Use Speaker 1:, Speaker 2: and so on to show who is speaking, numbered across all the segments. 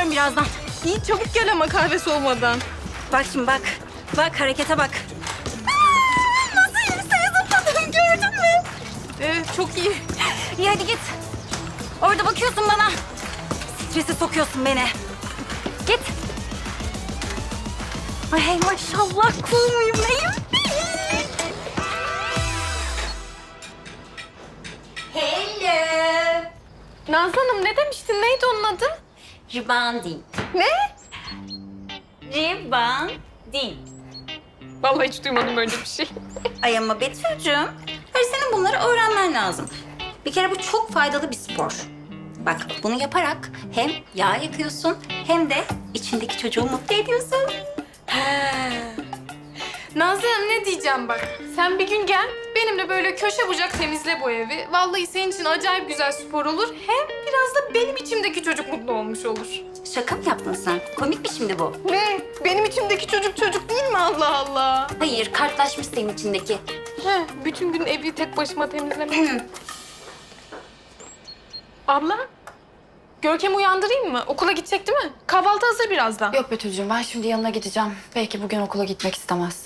Speaker 1: geliyorum birazdan.
Speaker 2: İyi çabuk gel ama kahve soğumadan.
Speaker 1: Bak şimdi bak. Bak harekete bak. Nasıl yükseğe zıpladım gördün mü?
Speaker 2: Evet çok iyi.
Speaker 1: İyi hadi git. Orada bakıyorsun bana. Strese sokuyorsun beni. Git. Ay hey maşallah cool muyum neyim? Hello.
Speaker 2: Nazlı Hanım ne demiştin? Neydi onun adı?
Speaker 1: Ribanding.
Speaker 2: Ne?
Speaker 1: Ribanding.
Speaker 2: Vallahi hiç duymadım böyle bir şey.
Speaker 1: Ay ama Betül'cüğüm, hayır senin bunları öğrenmen lazım. Bir kere bu çok faydalı bir spor. Bak bunu yaparak hem yağ yakıyorsun hem de içindeki çocuğu mutlu ediyorsun.
Speaker 2: Nazlı Hanım ne diyeceğim bak. Sen bir gün gel benimle böyle köşe bucak temizle bu evi. Vallahi senin için acayip güzel spor olur. Hem biraz da benim içimdeki çocuk mutlu olmuş olur.
Speaker 1: Şaka mı yaptın sen? Komik mi şimdi bu?
Speaker 2: Ne? Benim içimdeki çocuk değil mi Allah Allah?
Speaker 1: Hayır, kartlaşmış senin içindeki.
Speaker 2: Bütün gün evi tek başıma temizlemek. Abla, Görkem'i uyandırayım mı? Okula gidecek değil mi? Kahvaltı hazır birazdan.
Speaker 3: Yok Betül'cüğüm ben şimdi yanına gideceğim. Belki bugün okula gitmek istemez.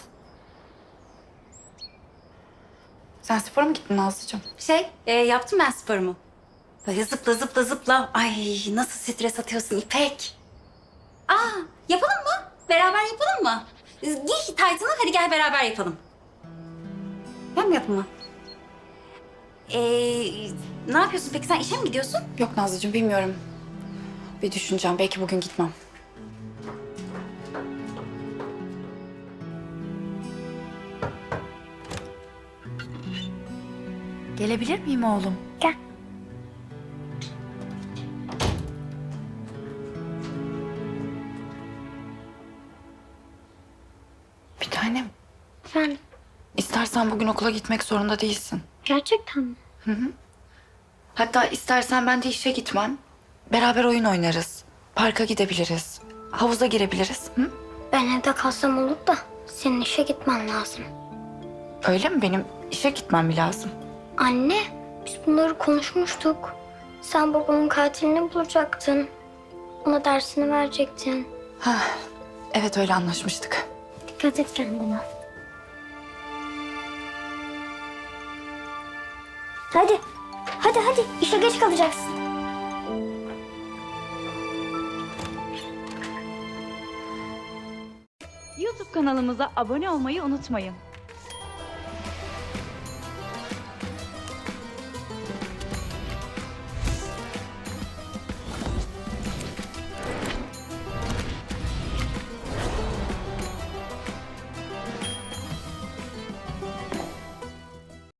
Speaker 3: Sen spora mı gittin Nazlıcığım?
Speaker 1: Yaptım ben sporumu. Böyle zıpla zıpla zıpla. Ay nasıl stres atıyorsun İpek. Yapalım mı? Beraber yapalım mı? Giy taytını hadi gel beraber yapalım. Ben mi yapayım mı? Ne yapıyorsun peki sen işe mi gidiyorsun?
Speaker 3: Yok Nazlıcığım bilmiyorum. Bir düşüneceğim. Belki bugün gitmem. Gelebilir miyim oğlum?
Speaker 1: Gel.
Speaker 3: Bir tanem.
Speaker 4: Efendim,
Speaker 3: İstersen bugün okula gitmek zorunda değilsin.
Speaker 4: gerçekten mi?
Speaker 3: Hatta istersen ben de işe gitmem. Beraber oyun oynarız. Parka gidebiliriz. Havuza girebiliriz. Hı?
Speaker 4: Ben evde kalsam olur da senin işe gitmen lazım.
Speaker 3: Öyle mi? Benim işe gitmem mi lazım?
Speaker 4: Anne, biz bunları konuşmuştuk. Sen babamın katilini bulacaktın. Ona dersini verecektin.
Speaker 3: Evet öyle anlaşmıştık.
Speaker 4: Dikkat et kendine. Hadi, hadi. İşe geç kalacaksın.
Speaker 5: YouTube kanalımıza abone olmayı unutmayın.